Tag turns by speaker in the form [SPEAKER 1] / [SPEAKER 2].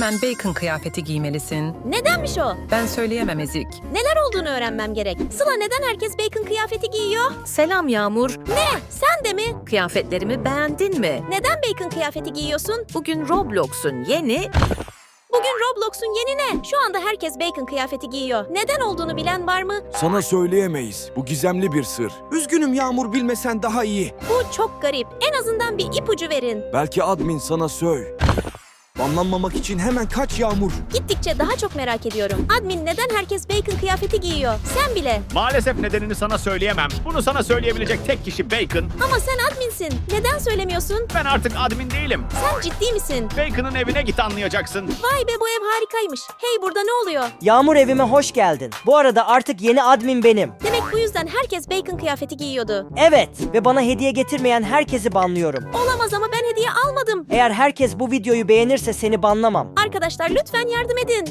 [SPEAKER 1] Hemen bacon kıyafeti giymelisin.
[SPEAKER 2] Nedenmiş o?
[SPEAKER 1] Ben söyleyemem Ezik.
[SPEAKER 2] Neler olduğunu öğrenmem gerek. Sıla, neden herkes bacon kıyafeti giyiyor?
[SPEAKER 3] Selam Yağmur.
[SPEAKER 2] Ne? Sen de mi?
[SPEAKER 3] Kıyafetlerimi beğendin mi?
[SPEAKER 2] Neden bacon kıyafeti giyiyorsun?
[SPEAKER 3] Bugün Roblox'un yeni...
[SPEAKER 2] Bugün Roblox'un yeni ne? Şu anda herkes bacon kıyafeti giyiyor. Neden olduğunu bilen var mı?
[SPEAKER 4] Sana söyleyemeyiz. Bu gizemli bir sır. Üzgünüm Yağmur, bilmesen daha iyi.
[SPEAKER 2] Bu çok garip. En azından bir ipucu verin.
[SPEAKER 4] Belki admin sana Banlanmamak için hemen kaç Yağmur.
[SPEAKER 2] Gittikçe daha çok merak ediyorum. Admin, neden herkes bacon kıyafeti giyiyor? Sen bile.
[SPEAKER 5] Maalesef nedenini sana söyleyemem. Bunu sana söyleyebilecek tek kişi Bacon.
[SPEAKER 2] Ama sen adminsin. Neden söylemiyorsun?
[SPEAKER 5] Ben artık admin değilim.
[SPEAKER 2] Sen ciddi misin?
[SPEAKER 5] Bacon'ın evine git anlayacaksın.
[SPEAKER 2] Vay be, bu ev harikaymış. Hey, burada ne oluyor?
[SPEAKER 6] Yağmur, evime hoş geldin. Bu arada artık yeni admin benim.
[SPEAKER 2] Demek bu yüzden herkes bacon kıyafeti giyiyordu.
[SPEAKER 6] Evet ve bana hediye getirmeyen herkesi banlıyorum.
[SPEAKER 2] Olamaz, ama ben hediye almadım.
[SPEAKER 6] Eğer herkes bu videoyu beğenirse seni banlamam.
[SPEAKER 2] Arkadaşlar lütfen yardım edin.